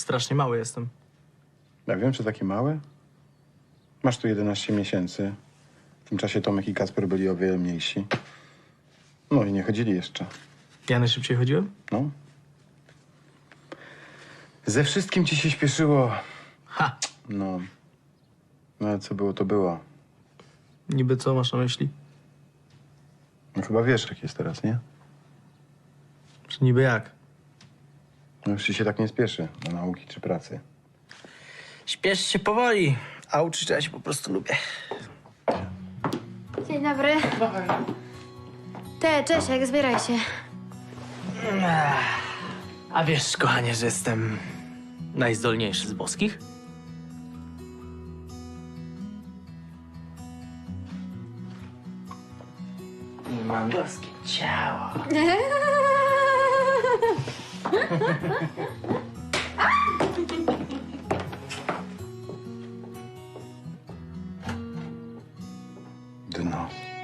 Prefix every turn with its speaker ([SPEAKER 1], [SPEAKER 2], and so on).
[SPEAKER 1] strasznie mały jestem.
[SPEAKER 2] Ja wiem, czy taki mały? Masz tu 11 miesięcy. W tym czasie Tomek i Kacper byli o wiele mniejsi. No i nie chodzili jeszcze.
[SPEAKER 1] Ja najszybciej chodziłem?
[SPEAKER 2] No. Ze wszystkim ci się śpieszyło.
[SPEAKER 1] Ha!
[SPEAKER 2] No. No ale co było, to było.
[SPEAKER 1] Niby co masz na myśli?
[SPEAKER 2] No chyba wiesz, jak jest teraz, nie?
[SPEAKER 1] Czy niby jak?
[SPEAKER 2] No już ci się tak nie spieszy do nauki czy pracy.
[SPEAKER 1] Śpiesz się powoli, a uczyć ja się po prostu lubię.
[SPEAKER 3] Dzień dobry. Czesiek, zbieraj się.
[SPEAKER 1] A wiesz, kochanie, że jestem najzdolniejszy z boskich? I mam boskie ciało.
[SPEAKER 2] Dno.